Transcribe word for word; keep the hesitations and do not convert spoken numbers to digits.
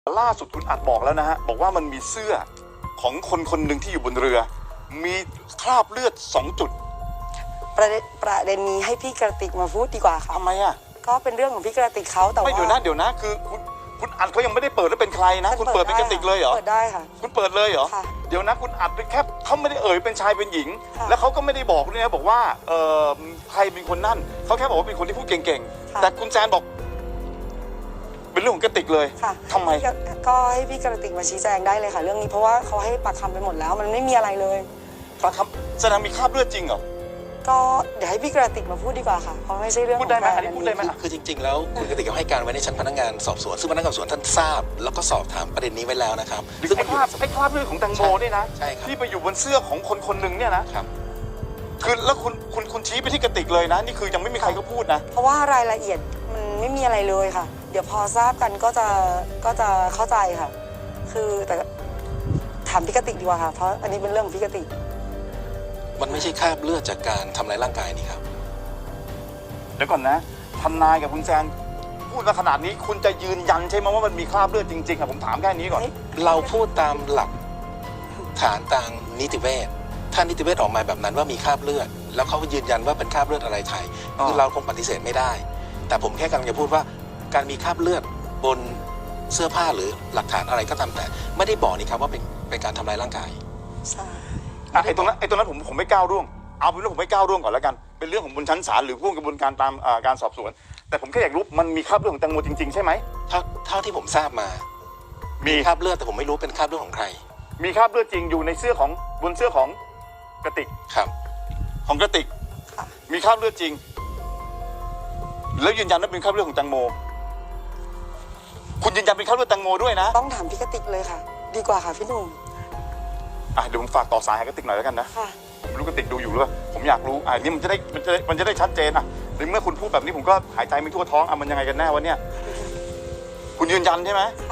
ล่าสุดคุณอัดบอกแล้วนะฮะบอกว่ามันมีเสื้อของคนคนหนึ่งที่อยู่บนเรือ มีคราบเลือดสองจุดประเด็นประเด็นนี้ให้พี่กระติกมาพูดดีกว่าค่ะทำไมอ่ะก็เป็นเรื่องของพี่กระติกเขาแต่ว่าไม่เดี๋ยวนะเดี๋ยวนะคือคุณคุณอัดเขายังไม่ได้เปิดแล้วเป็นใครนะคุณเปิดเป็นกระติกเลยเหรอเปิดได้ค่ะคุณเปิดเลยเหรอเดี๋ยวนะคุณอัดแค่เขาไม่ได้เอ่ยเป็นชายเป็นหญิงแล้วเขาก็ไม่ได้บอกด้วยนะบอกว่าเออใครเป็นคนนั่นเขาแค่บอกว่าเป็นคนที่พูดเก่งๆแต่คุณแซนบอกเป็นเรื่องของกระติกเลยทำไมก็ให้พี่กระติกมาชี้แจงได้เลยค่ะเรื่องนี้เพราะว่าเขาให้ปากคำไปหมดแล้วมันไม่มีอะไรเลยปากคำแสดงมีคราบเลือดจริงเหรอก็เดี๋ยวให้พี่กระติกมาพูดดีกว่าค่ะเพราะไม่ใช่เรื่องพูดได้ไหมอันนี้พูดได้ไหมคือจริงๆแล้วคุณกระติกเขาให้การไว้ในชั้นพนักงานสอบสวนซึ่งพนักงานสอบสวนท่านทราบแล้วก็สอบถามประเด็นนี้ไว้แล้วนะครับซึ่งไอ้คราบไอ้คราบเลือดของแตงโมนี่นะใช่ครับที่ไปอยู่บนเสื้อของคนคนหนึ่งเนี่ยนะครับคือแล้วคุณคุณคุณชี้ไปที่กระติกเลยนะนี่คือยังไม่มีใครก็พูดนะเพราะว่ารายละเอียดมันไม่มีอะไรเลยค่ะเดี๋ยวพอทราบกันก็จะก็จะเข้าใจค่ะคือแต่ถามพี่กติกดีกว่าค่ะเพราะอันนี้เป็นเรื่องของพี่กติกมันไม่ใช่คราบเลือดจากการทำร้ายร่างกายนี่ครับเดี๋ยวก่อนนะทนายกับคุณแซนพูดมาขนาดนี้คุณจะยืนยันใช่ไหมว่ามันมีคราบเลือดจริงๆอะผมถามแค่นี้ก่อนเราพูดตามหลักฐานทางนิติเวชถ้านิติเวชออกมาแบบนั้นว่ามีคราบเลือดแล้วเขายืนยันว่าเป็นคราบเลือดอะไรไทยคือเราคงปฏิเสธไม่ได้แต่ผมแค่กำลังจะพูดว่าการมีคราบเลือดบนเสื้อผ้าหรือหลักฐานอะไรก็ตามแต่ไม่ได้บอกนี่ครับว่าเป็นเป็นการทำร้ายร่างกายใช่ไอ้ตรงนั้นไอ้ตรงนั้นผมผมไม่ก้าวร่วงเอาเป็นเรื่องผมไม่ก้าวร่วงก่อนแล้วกันเป็นเรื่องของบนชั้นศาลหรือพวกกระบวนการตามการสอบสวนแต่ผมแค่อยากรู้มันมีคราบเลือดของแตงโมจริงๆใช่ไหมเท่าเท่าที่ผมทราบมามีคราบเลือดแต่ผมไม่รู้เป็นคราบเลือดของใครมีคราบเลือดจริงอยู่ในเสื้อของบนเสื้อของกระติกครับของกระติกมีคราบเลือดจริงแล้วยืนยันว่าเป็นคราบเลือดของแตงโมคุณยืนยันเป็นคราบเลือดแตงโมด้วยนะต้องถามพี่กติกเลยค่ะดีกว่าค่ะพี่หนุ่มอ่ะเดี๋ยวผมฝากต่อสายให้กระติกหน่อยแล้วกันนะผมรู้กระติกดูอยู่หรือเปล่าผมอยากรู้อ่ะนี่มันจะได้มันจะมันจะได้ชัดเจนอ่ะในเมื่อคุณพูดแบบนี้ผมก็หายใจไม่ทั่วท้องอ่ะมันยังไงกันแน่วะเนี่ยคุณยืนยันใช่ไหม